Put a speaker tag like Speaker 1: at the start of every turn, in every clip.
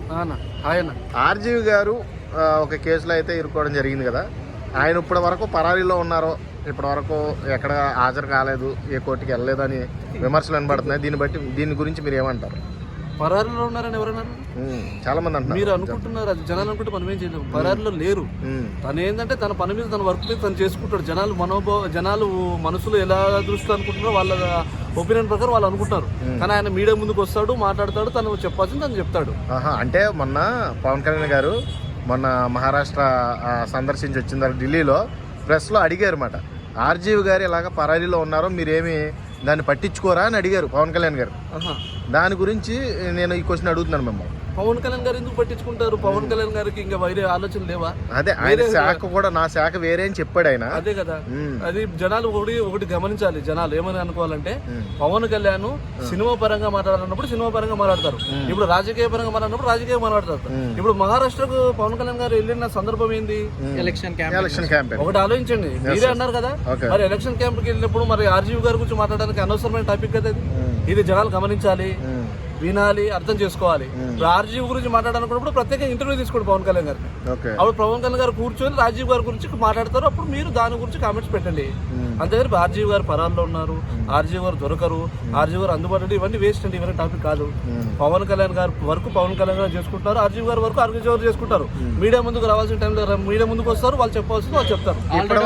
Speaker 1: RGV గారు ఒక కేసులో అయితే ఇరుక్కోవడం జరిగింది కదా, ఆయన ఇప్పటి వరకు పరారీలో ఉన్నారో, ఇప్పటి వరకు ఎక్కడ హాజరు కాలేదు, ఏ కోర్టుకి వెళ్ళలేదు అని విమర్శలు వినబడుతున్నాయి. దీని గురించి మీరు ఏమంటారు?
Speaker 2: పరారీలో ఉన్నారని ఎవరన్నారు?
Speaker 1: చాలా మంది అంటున్నారు.
Speaker 2: మీరు అనుకుంటున్నారు, అది జనాలు అనుకుంటే మనం ఏం చేయలేము. పరారీలో లేరు. తను ఏంటంటే తన పని మీద, తన వర్క్ మీద తను చేసుకుంటాడు. జనాలు మనసులో ఎలా దృష్టి అనుకుంటున్నారో వాళ్ళ ఒపీనియన్ ప్రకారం వాళ్ళు అనుకుంటారు. కానీ ఆయన మీడియా ముందుకు వస్తాడు, మాట్లాడతాడు, తను చెప్పాల్సింది తను చెప్తాడు.
Speaker 1: అంటే మొన్న పవన్ కళ్యాణ్ గారు మొన్న మహారాష్ట్ర సందర్శించి వచ్చిన తర్వాత ఢిల్లీలో ప్రెస్లో అడిగారు మాట, ఆర్జీవి గారు ఇలాగ పరారీలో ఉన్నారో మీరేమి దాన్ని పట్టించుకోరా అని అడిగారు పవన్ కళ్యాణ్ గారు. దాని గురించి నేను ఈ క్వశ్చన్ అడుగుతున్నాను మిమ్మల్ని.
Speaker 2: పవన్ కళ్యాణ్ గారు ఎందుకు పట్టించుకుంటారు? పవన్ కళ్యాణ్ గారికి ఇంకా వేరే ఆలోచనలు లేవా?
Speaker 1: అదే ఆయన శాఖ కూడా నా శాఖ వేరే అని చెప్పాడు ఆయన.
Speaker 2: అదే కదా, అది జనాలు ఒకటి గమనించాలి. జనాలు ఏమని అనుకోవాలంటే, పవన్ కళ్యాణ్ సినిమా పరంగా మాట్లాడాలన్నప్పుడు సినిమా పరంగా మాట్లాడతారు, ఇప్పుడు రాజకీయ పరంగా మాట్లాడినప్పుడు రాజకీయ మాట్లాడతారు. ఇప్పుడు మహారాష్ట్రకు పవన్ కళ్యాణ్ గారు వెళ్ళిన సందర్భం ఏంది? Election camp. ఒకటి ఆలోచించండి, మీరే అన్నారు కదా, మరి ఎలక్షన్ క్యాంప్ కి వెళ్ళినప్పుడు మరి ఆర్జీవి గారి గురించి మాట్లాడడానికి అనవసరమైన టాపిక్ కదా ఇది జనాలు గమనించాలి, వినాలి, అర్థం చేసుకోవాలి. రాజీవ్ గురించి మాట్లాడాలనుకున్నప్పుడు ప్రత్యేకంగా ఇంటర్వ్యూ తీసుకోండి పవన్ కళ్యాణ్ గారిని. అప్పుడు పవన్ కళ్యాణ్ గారు కూర్చొని రాజీవ్ గారి గురించి మాట్లాడతారు, అప్పుడు మీరు దాని గురించి కామెంట్స్ పెట్టండి. అంతేగాని ఆర్జీవి గారు పరాల్లో ఉన్నారు, ఆర్జీవి గారు దొరకరు, ఆర్జీవి గారు అందుబాటులో, ఇవన్నీ వేస్ట్ అండి, ఇవన్నీ టాపిక్ కాదు. పవన్ కళ్యాణ్ గారు వరకు పవన్ కళ్యాణ్ గారు చేసుకుంటారు, ఆర్జీవి గారు వరకు ఆర్జీవి గారు చేసుకుంటారు. మీడియా ముందుకు రావాల్సిన టైంలో మీడియా ముందుకు వస్తారు, వాళ్ళు చెప్పాల్సింది వాళ్ళు చెప్తారు.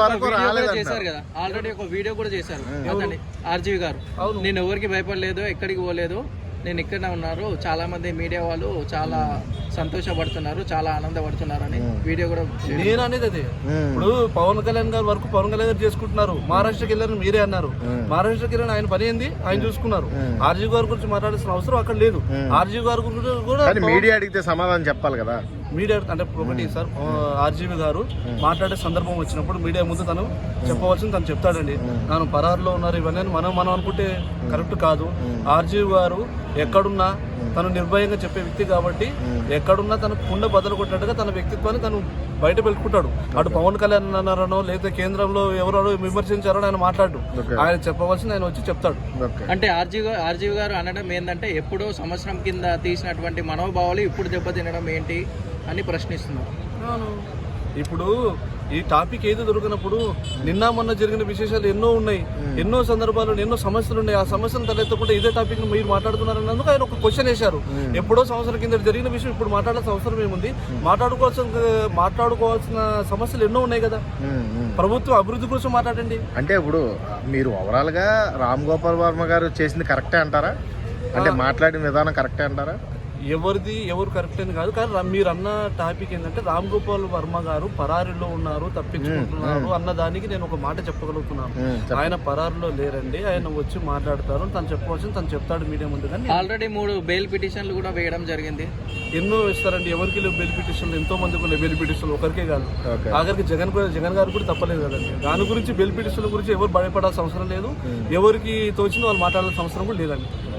Speaker 3: ఆల్రెడీ ఒక వీడియో కూడా చేశారు ఆర్జీవి గారు. నేను ఎవరికి భయపడలేదు, ఎక్కడికి పోలేదు, నేను ఇక్కడనే ఉన్నారు, చాలా మంది మీడియా వాళ్ళు చాలా సంతోషపడుతున్నారు, చాలా ఆనందపడుతున్నారు అని వీడియో కూడా.
Speaker 2: నేను అనేది అదే, ఇప్పుడు పవన్ కళ్యాణ్ గారు వరకు పవన్ కళ్యాణ్ గారు చేసుకుంటున్నారు. మహారాష్ట్రకి వెళ్ళారని మీరే అన్నారు, మహారాష్ట్రకి వెళ్ళిన ఆయన పని ఏంది, ఆయన చూసుకున్నారు. ఆర్జీవి గారి గురించి మాట్లాడాల్సిన అవసరం అక్కడ లేదు. ఆర్జీవి గారి గురించి కూడా
Speaker 1: మీడియా అడిగితే సమాధానం చెప్పాలి కదా.
Speaker 2: మీడియా అంటే ఒకటి సార్, ఆర్జీవి గారు మాట్లాడే సందర్భం వచ్చినప్పుడు మీడియా ముందు తను చెప్పవలసింది తను చెప్తాడండి. తను పరారులో ఉన్నారు ఇవన్నీ మనం అనుకుంటే కరెక్ట్ కాదు. ఆర్జీవి గారు ఎక్కడున్నా తను నిర్భయంగా చెప్పే వ్యక్తి కాబట్టి, ఎక్కడున్నా తన కుండ బదులు కొట్టినట్టుగా తన వ్యక్తిత్వాన్ని తను బయట పెట్టుకుంటాడు. అటు పవన్ కళ్యాణ్ అన్నారనో లేకపోతే కేంద్రంలో ఎవరో విమర్శించారో ఆయన మాట్లాడు, ఆయన చెప్పవలసింది ఆయన వచ్చి చెప్తాడు.
Speaker 3: అంటే ఆర్జీవి గారు అనడం ఏంటంటే, ఎప్పుడో సంవత్సరం కింద తీసినటువంటి మనోభావాలు ఇప్పుడు దెబ్బతినడం ఏంటి అని ప్రశ్నిస్తున్నారు.
Speaker 2: ఇప్పుడు ఈ టాపిక్ ఏది దొరికినప్పుడు నిన్న మొన్న జరిగిన విశేషాలు ఎన్నో ఉన్నాయి, ఎన్నో సందర్భాలు, ఎన్నో సమస్యలు ఉన్నాయి. ఆ సమస్యను తలెత్తకుండా ఇదే టాపిక్ మీరు మాట్లాడుతున్నారన్నందుకు ఆయన ఒక క్వశ్చన్ వేశారు. ఎప్పుడో సంవత్సరం కింద జరిగిన విషయం ఇప్పుడు మాట్లాడాల్సిన అవసరం ఏముంది? మాట్లాడుకోవాల్సిన సమస్యలు ఎన్నో ఉన్నాయి కదా. ప్రభుత్వం అభివృద్ధి కోసం మాట్లాడండి.
Speaker 1: అంటే ఇప్పుడు మీరు ఓవరాల్ గా రామ్ గోపాల్ వర్మ గారు చేసింది కరెక్టే అంటారా? అంటే మాట్లాడిన విధానం కరెక్టే అంటారా?
Speaker 2: ఎవరు కరెక్ట్ అని కాదు, కానీ మీరు అన్న టాపిక్ ఏంటంటే రామ్ గోపాల్ వర్మ గారు పరారీలో ఉన్నారు, తప్పించుకుంటున్నారు అన్న దానికి నేను ఒక మాట చెప్పగలుగుతున్నాను. ఆయన పరారీలో లేరండి, ఆయన వచ్చి మాట్లాడతారు, తను చెప్పవలసింది తను చెప్తాడు మీడియా ముందు. కానీ
Speaker 3: ఆల్రెడీ 3 బెయిల్ పిటిషన్లు కూడా వేయడం జరిగింది.
Speaker 2: ఎన్నో ఇస్తారండి, ఎవరికి లేవు బెయిల్ పిటిషన్లు, ఎంతో మందికి ఉన్నాయి బెయిల్ పిటిషన్లు, ఒకరికే కాదు. ఆఖరికి జగన్ గారు కూడా తప్పలేదు కదండి. దాని గురించి బెయిల్ పిటిషన్ల గురించి ఎవరు భయపడాల్సిన అవసరం లేదు, ఎవరికి తోచిందో వాళ్ళు మాట్లాడాల్సిన అవసరం కూడా లేదండి.